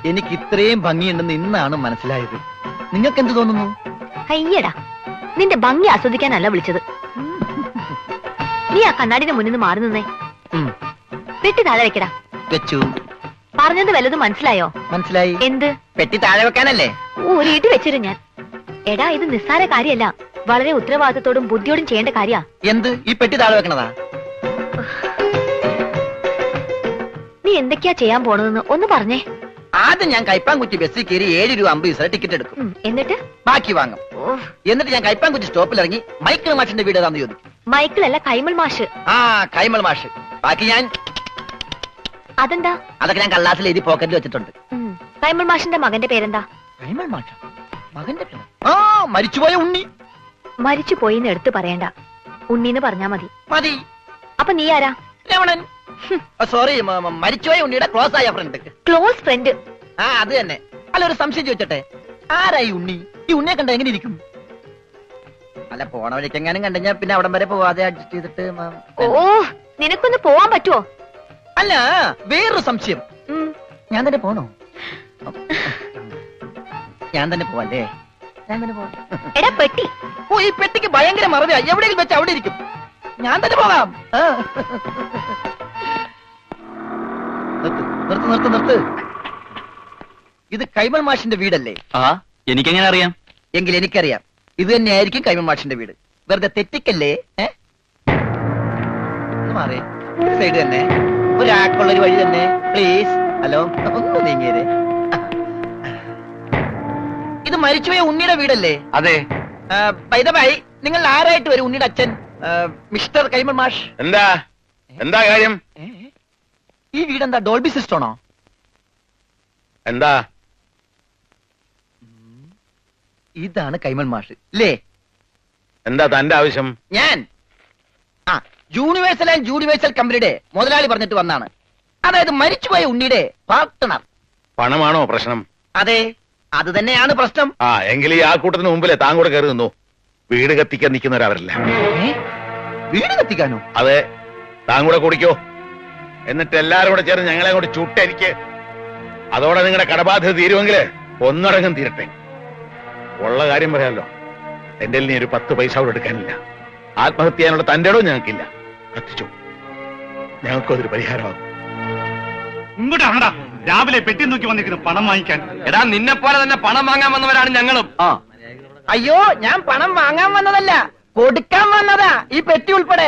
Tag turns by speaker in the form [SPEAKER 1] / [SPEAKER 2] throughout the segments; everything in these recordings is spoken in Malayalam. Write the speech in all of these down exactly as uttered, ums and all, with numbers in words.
[SPEAKER 1] എനിക്ക് ഇത്രയും ഭംഗിയുണ്ടെന്ന് ഇന്നാണ് മനസ്സിലായത്. നിങ്ങൾക്ക് എന്ത് തോന്നുന്നു?
[SPEAKER 2] അയ്യടാ, നിന്റെ ഭംഗി ആസ്വദിക്കാനല്ല വിളിച്ചത്. നീ ആ കണ്ണാടിന്റെ മുന്നിൽ നിന്ന് മാറി നിന്നേ. പെട്ടി താഴെ വെക്കടാ.
[SPEAKER 1] വെച്ചു.
[SPEAKER 2] പറഞ്ഞത് വല്ലതും മനസ്സിലായോ?
[SPEAKER 1] മനസ്സിലായി.
[SPEAKER 2] എന്ത്?
[SPEAKER 1] പെട്ടി താഴെ വെക്കാനല്ലേ?
[SPEAKER 2] ഒരു ഇടി വെച്ചിരും ഞാൻ. എടാ, ഇത് നിസ്സാര കാര്യമല്ല, വളരെ ഉത്തരവാദിത്തത്തോടും ബുദ്ധിയോടും ചെയ്യേണ്ട കാര്യ.
[SPEAKER 1] എന്ത്? ഈ പെട്ടി താഴെ വെക്കണതാ?
[SPEAKER 2] നീ എന്തൊക്കെയാ ചെയ്യാൻ പോണതെന്ന് ഒന്ന് പറഞ്ഞേ.
[SPEAKER 1] ആദ്യം ഞാൻ കൈപ്പാങ്കുറ്റി ബസ്സിൽ കയറി ഏഴ് രൂപ അമ്പത് പൈസ ടിക്കറ്റ് എടുക്കും.
[SPEAKER 2] എന്നിട്ട്
[SPEAKER 1] ബാക്കി വാങ്ങും. എന്നിട്ട് ഞാൻ കൈപ്പാങ്കുറ്റി സ്റ്റോപ്പിൽ ഇറങ്ങി മൈക്കിൾ മാഷിന്റെ വീട് ഏതാന്ന് ചോദിക്കും.
[SPEAKER 2] മൈക്കിൾ അല്ല, കൈമൾ മാഷ്.
[SPEAKER 1] ആ, കൈമൾ മാഷ്. ബാക്കി ഞാൻ.
[SPEAKER 2] അതെന്താ?
[SPEAKER 1] അതൊക്കെ ഞാൻ കള്ളാസിൽ എഴുതി പോക്കറ്റിൽ വെച്ചിട്ടുണ്ട്.
[SPEAKER 2] കൈമൾ മാഷിന്റെ മകന്റെ പേരെന്താ?
[SPEAKER 1] കൈമൾ മാഷ മകന്റെ പേര്? ആ, മരിച്ചുപോയ ഉണ്ണി.
[SPEAKER 2] മരിച്ചു പോയിന്ന് എടുത്ത് പറയണ്ട, ഉണ്ണിന്ന് പറഞ്ഞാ മതി.
[SPEAKER 1] മതി.
[SPEAKER 2] അപ്പൊ നീ ആരാ?
[SPEAKER 1] രമണൻ. സോറി, മരിച്ചുപോയ ഉണ്ണിയുടെ ക്ലോസ് ആയ ഫ്രണ്ട്.
[SPEAKER 2] Close friend?
[SPEAKER 1] ആ, അത് തന്നെ. അല്ല, ഒരു സംശയം ചോദിച്ചട്ടെ, ആരായി ഉണ്ണി? ഈ ഉണ്ണിയെ കണ്ട എങ്ങനെ ഇരിക്കും? അല്ല, പോണ വഴിക്കെങ്ങാനും കണ്ടുകഴിഞ്ഞാ പിന്നെ അവിടം വരെ പോവാതെ അഡ്ജസ്റ്റ് ചെയ്തിട്ട്.
[SPEAKER 2] ഓ, നിനക്കൊന്ന് പോവാൻ പറ്റുമോ?
[SPEAKER 1] അല്ല, വേറൊരു സംശയം. ഞാൻ തന്നെ പോണോ? ഞാൻ തന്നെ പോവല്ലേ? ഞാൻ തന്നെ പോവാം.
[SPEAKER 2] എടാ പെട്ടി.
[SPEAKER 1] ഓ, ഈ പെട്ടിക്ക് ഭയങ്കര മറവിയാ. എവിടെയെങ്കിലും വെച്ച് അവിടെ ഇരിക്കും. ഞാൻ തന്നെ പോകാം. നിർത്ത് നിർത്ത് നിർത്ത്. ഇത് കൈമൾ മാഷിന്റെ വീടല്ലേ?
[SPEAKER 3] ആ, എനിക്കെങ്ങനെ അറിയാം?
[SPEAKER 1] എങ്കിൽ എനിക്കറിയാം, ഇത് തന്നെയായിരിക്കും കൈമൾ മാഷിന്റെ വീട്. വെറുതെ തെറ്റിക്കല്ലേ? മാറേ, സൈഡ് തന്നെ, ഒരാൾക്കുള്ളൊരു വഴി തന്നെ. പ്ലീസ്. ഹലോ, ഒന്ന് നീങ്ങിയേ. ഇത് മരിച്ചുപോയ ഉണ്ണിയുടെ വീടല്ലേ?
[SPEAKER 3] അതെ.
[SPEAKER 1] ബൈദബായി, നിങ്ങൾ ആരായിട്ട് വരും? ഉണ്ണിയുടെ അച്ഛൻ മിസ്റ്റർ കൈമൾ മാഷ്.
[SPEAKER 3] എന്താ എന്താ കാര്യം?
[SPEAKER 1] ഈ വീടെന്താ ഡോൾബി സിസ്റ്റമാണോ?
[SPEAKER 3] എന്താ?
[SPEAKER 1] ഇതാണ് കൈമൾ മാഷ് അല്ലേ?
[SPEAKER 3] എന്താ തന്റെ ആവശ്യം?
[SPEAKER 1] ഞാൻ ആ യൂണിവേഴ്സൽ ആൻഡ് യൂണിവേഴ്സൽ കമ്പനിയുടെ മുതലാളി പറഞ്ഞിട്ട് വന്നാണ്. അതായത് മരിച്ചുപോയ ഉണ്ണിയുടെ പാർട്ട്ണർ.
[SPEAKER 3] പണമാണോ പ്രശ്നം?
[SPEAKER 1] അതെ, അത് തന്നെയാണ് പ്രശ്നം.
[SPEAKER 3] ആ, എങ്കിൽ ഈ ആൾക്കൂട്ടത്തിന് മുമ്പിലെ താൻ കൂടെ കയറി നിന്നു. വീട് കത്തിക്കാൻ നിൽക്കുന്നവരവരല്ല.
[SPEAKER 1] വീട് കത്തിക്കാനോ?
[SPEAKER 3] അതെ, താൻ കൂടെ കുടിക്കോ. എന്നിട്ട് എല്ലാരും കൂടെ ചേർന്ന് ഞങ്ങളെ കൂടെ ചുട്ടെനിക്ക്. അതോടെ നിങ്ങളുടെ കടബാധ്യത തീരുമെങ്കിൽ ഒന്നടങ്കം തീരട്ടെ. ഉള്ള കാര്യം പറയാമല്ലോ, എന്റെ നീ ഒരു പത്ത് പൈസ കൂടെ എടുക്കാനില്ല. ആത്മഹത്യ ചെയ്യാനുള്ള തന്റെ ഇടവും ഞങ്ങൾക്കില്ല. കത്തിച്ചു, ഞങ്ങൾക്കതൊരു പരിഹാരമാകും.
[SPEAKER 4] ഇങ്ങോട്ടാണടാ രാവിലെ പെട്ടി നോക്കി വന്നിരിക്കുന്നു പണം വാങ്ങിക്കാൻ.
[SPEAKER 5] എടാ, നിന്നെ പോലെ തന്നെ പണം വാങ്ങാൻ വന്നവരാണ് ഞങ്ങളും.
[SPEAKER 1] ആ, അയ്യോ, ഞാൻ പണം വാങ്ങാൻ വന്നതല്ല, കൊടുക്കാൻ വന്നതാ. ഈ പെട്ടി ഉൾപ്പെടെ.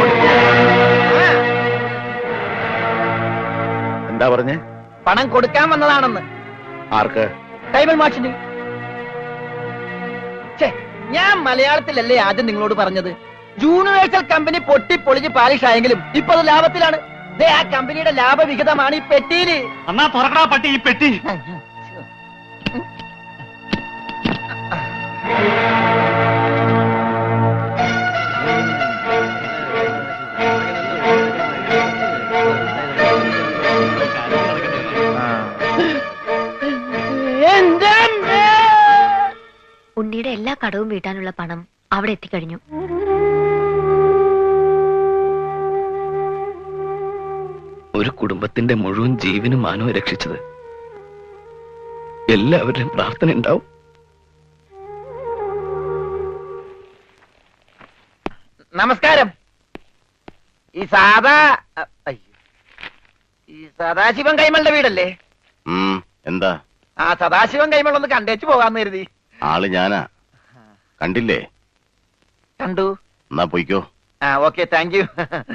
[SPEAKER 3] എന്താ പറഞ്ഞേ?
[SPEAKER 1] പണം കൊടുക്കാൻ വന്നതാണെന്ന്.
[SPEAKER 3] ആർക്ക്?
[SPEAKER 1] കൈമൾ മാഷിന്. ഞാൻ മലയാളത്തിലല്ലേ ആദ്യം നിങ്ങളോട് പറഞ്ഞത്? യൂണിവേഴ്സൽ കമ്പനി പൊട്ടിപ്പൊളിഞ്ഞ് പാലിഷ് ആയെങ്കിലും ഇപ്പൊ അത് ലാഭത്തിലാണ്. ആ കമ്പനിയുടെ ലാഭവിഹിതമാണ് ഈ പെട്ടിയില്.
[SPEAKER 4] അന്നാ തുറക്കടാ പട്ടി ഈ പെട്ടി.
[SPEAKER 2] ഉണ്ണിയുടെ എല്ലാ കടവും വീട്ടാനുള്ള പണം അവിടെ എത്തിക്കഴിഞ്ഞു.
[SPEAKER 5] ഒരു കുടുംബത്തിന്റെ മുഴുവൻ ജീവനും മാനവും രക്ഷിച്ചത് എല്ലാവരുടെയും പ്രാർത്ഥന ഉണ്ടാവും.
[SPEAKER 1] നമസ്കാരം. ഈ സാദാ ഈ സദാശിവൻ കൈമളുടെ വീടല്ലേ?
[SPEAKER 3] എന്താ?
[SPEAKER 1] ആ, സദാശിവൻ കൈമൾ ഒന്ന് കണ്ടേച്ചു പോകാന്ന് കരുതി.
[SPEAKER 3] ആള് ഞാനാ. കണ്ടില്ലേ?
[SPEAKER 1] കണ്ടു.
[SPEAKER 3] എന്നാ പോയിക്കോ.
[SPEAKER 1] ആ, ഓക്കെ, താങ്ക് യു.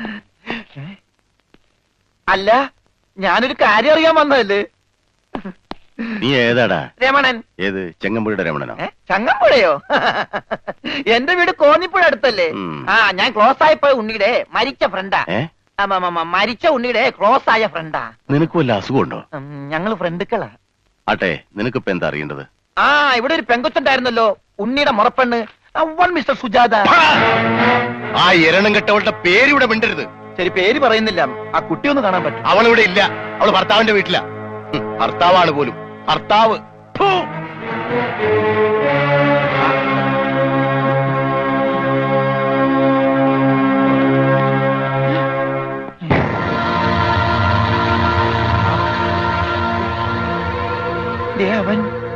[SPEAKER 1] അല്ല, ഞാനൊരു കാര്യം അറിയാൻ വന്നതല്ലേ.
[SPEAKER 3] നീ ഏതാടാ?
[SPEAKER 1] രമണൻ.
[SPEAKER 3] ഏത്? ചെങ്ങമ്പുഴയുടെ രമണനോ?
[SPEAKER 1] ചങ്ങമ്പുഴയോ? എന്റെ വീട് കോന്നിപ്പുഴ അടുത്തല്ലേ? ആ, ഞാൻ ക്ലോസ് ആയപ്പോ ഉണ്ണിയുടെ മരിച്ച ഫ്രണ്ടാ. മരിച്ച ഉണ്ണിയുടെ ക്ലോസ് ആയ ഫ്രണ്ടാ.
[SPEAKER 3] നിനക്ക് വല്ല അസുഖമുണ്ടോ?
[SPEAKER 1] ഞങ്ങള് ഫ്രണ്ടുക്കളാ.
[SPEAKER 3] ആട്ടെ, നിനക്കിപ്പോ എന്താ അറിയേണ്ടത്?
[SPEAKER 1] ആ, ഇവിടെ ഒരു പെങ്കൊച്ചുണ്ടായിരുന്നല്ലോ, ഉണ്ണിയുടെ മുറപ്പെണ്ണ്, മിസ്റ്റർ സുജാത.
[SPEAKER 3] ആ എരണം കെട്ടവളുടെ പേരിവിടെ മിണ്ടരുത്.
[SPEAKER 1] ശരി, പേര് പറയുന്നില്ല. ആ കുട്ടി ഒന്ന് കാണാൻ പറ്റും?
[SPEAKER 3] അവളിവിടെ ഇല്ല. അവള് ഭർത്താവിന്റെ വീട്ടിലാ. ഭർത്താവാണ് പോലും. ഭർത്താവ്.
[SPEAKER 1] ലവൻ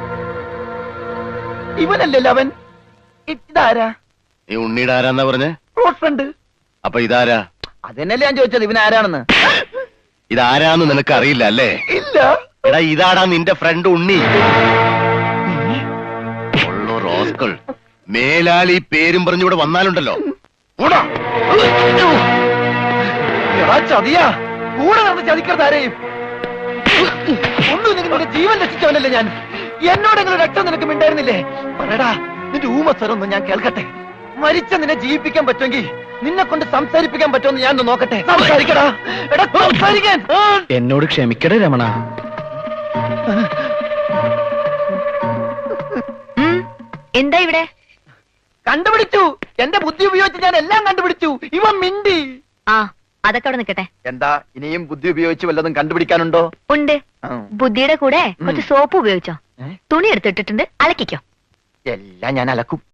[SPEAKER 1] ഇവനല്ലേ ലവൻ? ഇതാരാ?
[SPEAKER 6] നീ ഉണ്ണിയുടെ ആരാന്നാ പറഞ്ഞേ?
[SPEAKER 1] Close friend.
[SPEAKER 6] അപ്പൊ ഇതാരാ?
[SPEAKER 1] അതെന്നല്ലേ ഞാൻ ചോദിച്ചത്, ഇവൻ ആരാണെന്ന്.
[SPEAKER 6] ഇതാരാന്ന് നിനക്ക് അറിയില്ല അല്ലേ?
[SPEAKER 1] ഇല്ല.
[SPEAKER 6] എടാ ഇതാടാ നിന്റെ ഫ്രണ്ട് ഉണ്ണി. ഉള്ളോ റോസ്കൾ, മേലാൽ ഈ പേരും പറഞ്ഞിവിടെ വന്നാലുണ്ടല്ലോ.
[SPEAKER 1] ഓടാ. എടാ ചതിയാ, കൂടെ നടന്ന് ചതിക്കരുത് ആരെയും. ഒന്നും നിന്റെ ജീവൻ രക്ഷിച്ചവനല്ലേ ഞാൻ. എന്നോടെങ്കിലും രക്തം നിനക്ക് മിണ്ടായിരുന്നില്ലേ? പറയടാ, നിന്റെ ഊമസ്വരൊന്നും ഞാൻ കേൾക്കട്ടെ. മരിച്ച നിന്നെ ജീവിപ്പിക്കാൻ പറ്റുമെങ്കിൽ നിന്നെ കൊണ്ട് സംസാരിപ്പിക്കാൻ പറ്റുമെന്ന് ഞാൻ ഒന്ന് നോക്കട്ടെ. സംസാരിക്കടാ. എടാ സംസാരിക്കാൻ.
[SPEAKER 5] എന്നോട് ക്ഷമിക്കടേ രമണ.
[SPEAKER 2] ഉം, എന്താ ഇവിടെ?
[SPEAKER 1] കണ്ടുപിടിച്ചു. എന്റെ ബുദ്ധി ഉപയോഗിച്ച് ഞാൻ എല്ലാം കണ്ടുപിടിച്ചു. ഇവൻ മിണ്ടി.
[SPEAKER 2] ആ, അതൊക്കെ അവിടെ നിൽക്കട്ടെ.
[SPEAKER 1] എന്താ ഇനിയും ബുദ്ധി ഉപയോഗിച്ച് വല്ലതും കണ്ടുപിടിക്കാനുണ്ടോ?
[SPEAKER 2] ഉണ്ട്.
[SPEAKER 1] ആ.
[SPEAKER 2] ബുദ്ധിയുടെ കൂടെ കുറച്ച് സോപ്പ് ഉപയോഗിച്ചോ.
[SPEAKER 1] ഏ?
[SPEAKER 2] തുണി എടുത്തിട്ടിട്ടുണ്ട്, അലക്കിക്കോ.
[SPEAKER 1] എല്ലാം ഞാൻ അലക്കും.